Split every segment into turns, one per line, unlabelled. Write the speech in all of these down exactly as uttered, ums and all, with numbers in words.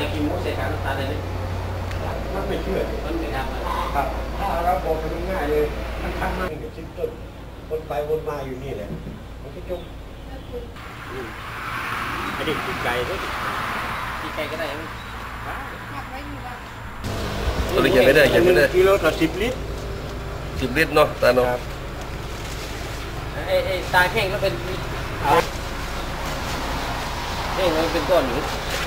กินหมูใส่การน้ำตาลได้ไหม
มันไม่เชื่อ
มันไม่ทำ
ครับถ้าเราบอกมันง่ายเลยมันทำมาเป็นชิ้นต้นวนไปวนมาอยู่นี่แหละมันก็จมอันนี้ติดไก่ด้วย
ติดไก่ก็ได้ยัง
ตัวนี้เขียนไม่ได้เขียนไม่ได้
กิโลต่อสิบลิตร
สิบลิตรเนาะตาเนาะ
ไอ้ไอ้ตาแข้งก็เป็นแข้งมันเป็นก้อนอยู่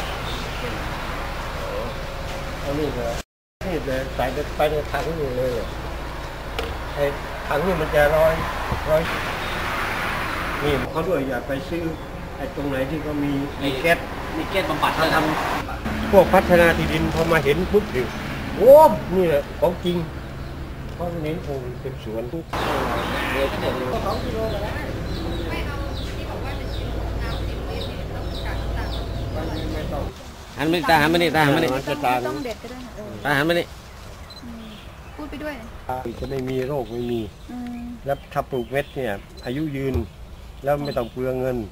อันนี้เลยนี่เลยใส่ไปในถังนี่เลยไอ้ถังนี่มันจะร้อยร้อยนี่เขาด้วยอย่าไปซื้อไอ้ตรงไหนที่เขามีมีแก๊ส
มีแก๊สบำบัด
เขาทำพวกพัฒนาที่ดินพอมาเห็นปุ๊บดิโอ้นี่แหละของจริงเพราะเน้นโอ้เป็นสวนทุก
เดือนก็เดือนก็สองกิโลก็ได้
ไม่เอาที่บอกว่าหนึ่งกิโลน้ำสิบลิตรเนี่ยต้องการต่าง
ไม่ต้อง
หันไม่ตาหันไม่นี่ตาหันไม่นี่
ต้องเด็ดก็ได้
ตาหันไม่นี่
พูดไปด้วย
จะไม่มีโรคไม่มีแล้วถ้าปลูกเม็ดเนี่ยอายุยืนแล้วไม่ต้องเปลืองเงิน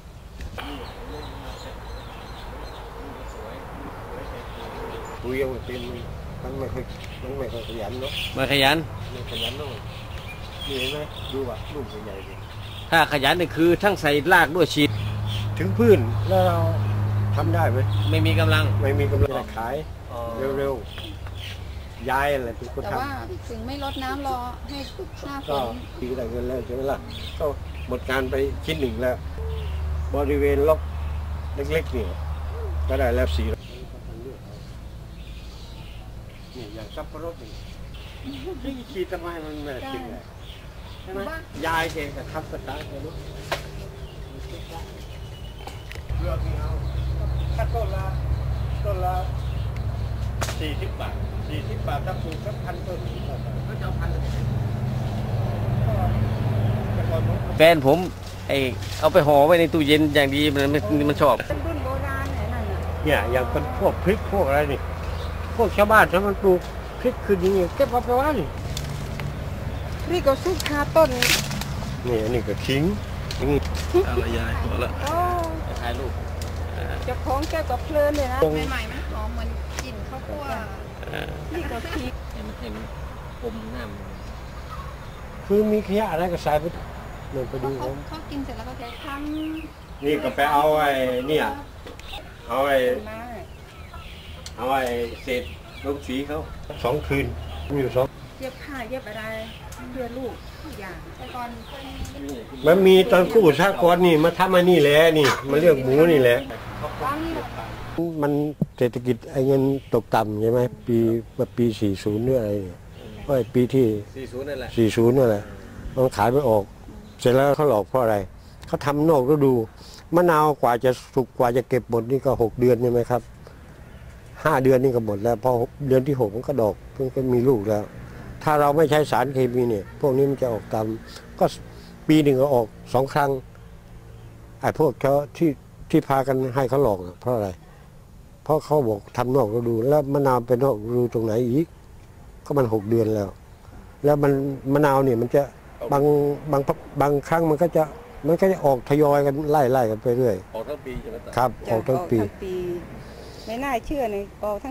คุยเอาเป็นมันไม่ค่อยมันไม่ค่อยขยันเนาะ
มาขยัน
ไม่ขยันเนาะนี่เห็นไหมดูว่าลูกใหญ่ๆดิ
ถ้าขยันนี่คือทั้งใส่รากด้วยฉีด
ถึงพื้นแล้วเราทำได้ไหม
ไม่มีกำลัง
ไม่มีกำลังขายเร็วๆย้ายอะไรเป็นคนทำ
แต่ว่าถึงไม่ลดน้ำรอให้หน้าฝน
ก็ตีได้เงินแล้วใช่ไหมล่ะก็หมดการไปชิ้นหนึ่งแล้วบริเวณล็อกเล็กๆนี่ก็ได้แล้วสี่นี่อย่างซับปะรดนี่ที่ขีดทำไมมันไม่กินเลยใช่ไหมยายเองกับทับสตาร์ทเลยลูกเลือกนี่เอาถ้าต้นละต้นละสี่สิบบาทสี่สิบบาทถ้าปลูกสักพันต้นก็จะพัน
แฟนผมไอเอาไปห่อไว้ในตู้เย็นอย่างดีมันมันชอบ
เป็นรุ่นโบราณไหนนั่นน่ะ
เนี่ยอย่างเป็นพวกพริกพวกอะไรนี่พวกชาวบ้านถ้ามันปลูกพริกคืออย่างนี้เก็บเอาไปว่านี่
นี่ก็ซุกคาต้น
นี่อันนี้ก็ทิ้ง
อะไรยายพอละ
ถ่ายรูป
จะคล้องแก้วกับเพลินเลยนะใหม่ๆมันหอมเหมือนกลิ่นข้าวคั่วนี่ก็พริก
เห็นเห็นอมน้
ำคือมีขยะอะไรก็ใส่ไปลงไปดู
เขาเขากินเสร็จแล้วก็จะท
ำนี่ก็ไปเอาไอ้เนี่ยเอาไอ้เอาไอ้เศษลูกสีเขาสองคืนมีอยู่สอง
เย็บผ้าเย็บอะไรเพื่อลูกทุกอย่างแต่ก่อน
มันมีตอนกู้ชาติก่อนนี่มาทำมานี่แหละนี่มาเลือกหมูนี่แหละมันเศรษฐกิจไอ้เงินตกต่ำใช่ไหมปีแบบปีสี่สิบเนี่ยอะไรเนี่ยก็ปีที่
สี่สิบนั่นแหละ
สี่สิบนั่นแหละมันขายไม่ออกเสร็จแล้วเขาหลอกเพราะอะไรเขาทำนอกฤดูมะนาวกว่าจะสุกกว่าจะเก็บหมดนี่ก็หกเดือนใช่ไหมครับห้าเดือนนี่ก็หมดแล้วพอเดือนที่หกมันก็ดอกเพิ่งก็มีลูกแล้วถ้าเราไม่ใช้สารเคมีเนี่ยพวกนี้มันจะออกตามก็ปีหนึ่งก็ออกสองครั้งไอ้พวกเขาที่ที่พากันให้เขาหลอกเพราะอะไรเพราะเขาบอกทำนอกฤดูแล้วมะนาวเป็นนอกฤดูตรงไหนอีกก็มันหกเดือนแล้วแล้วมันมะนาวเนี่ยมันจะบางบางบางครั้งมันก็จะมันก็จะออกทยอยกันไล่ไล่กันไปเรื่อย
ออกทั้งปีใช่ไหม
ครับออกทั้งปี
ไม่น่าเชื่อเลยออกทั้ง